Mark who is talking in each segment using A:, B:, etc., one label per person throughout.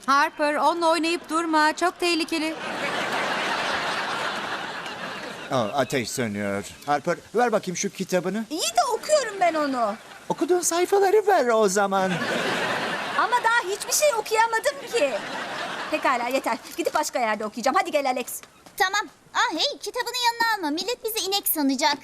A: Harper, onunla oynayıp durma. Çok tehlikeli.
B: Ateş sönüyor. Harper, ver bakayım şu kitabını.
C: İyi de okuyorum ben onu.
B: Okuduğun sayfaları ver o zaman.
C: Ama daha hiçbir şey okuyamadım ki. Pekala yeter. Gidip başka yerde okuyacağım. Hadi gel Alex.
D: Tamam. Hey, kitabını yanına alma. Millet bizi inek sanacak.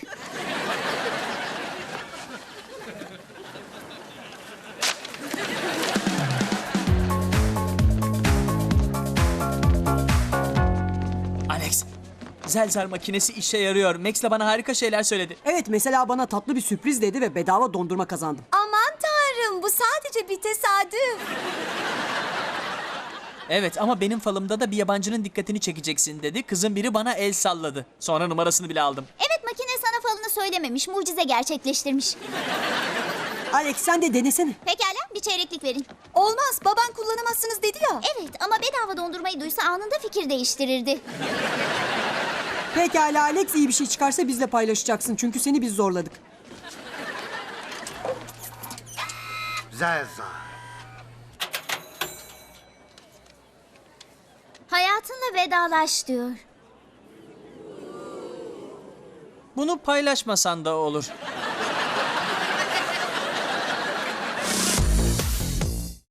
E: Alex, Zelzar makinesi işe yarıyor. Max de bana harika şeyler söyledi.
F: Evet, mesela bana tatlı bir sürpriz dedi ve bedava dondurma kazandım.
C: Aman tanrım, bu sadece bir tesadüf.
E: Evet ama benim falımda da bir yabancının dikkatini çekeceksin dedi. Kızın biri bana el salladı. Sonra numarasını bile aldım.
D: Evet, makine sana falını söylememiş. Mucize gerçekleştirmiş.
F: Alex, sen de denesene.
D: Pekala, bir çeyreklik verin.
C: Olmaz, baban kullanamazsınız dedi ya.
D: Evet ama bedava dondurmayı duysa anında fikir değiştirirdi.
F: Pekala Alex, iyi bir şey çıkarsa bizle paylaşacaksın. Çünkü seni biz zorladık.
G: Zelza.
D: Hayatınla vedalaş diyor.
E: Bunu paylaşmasan da olur.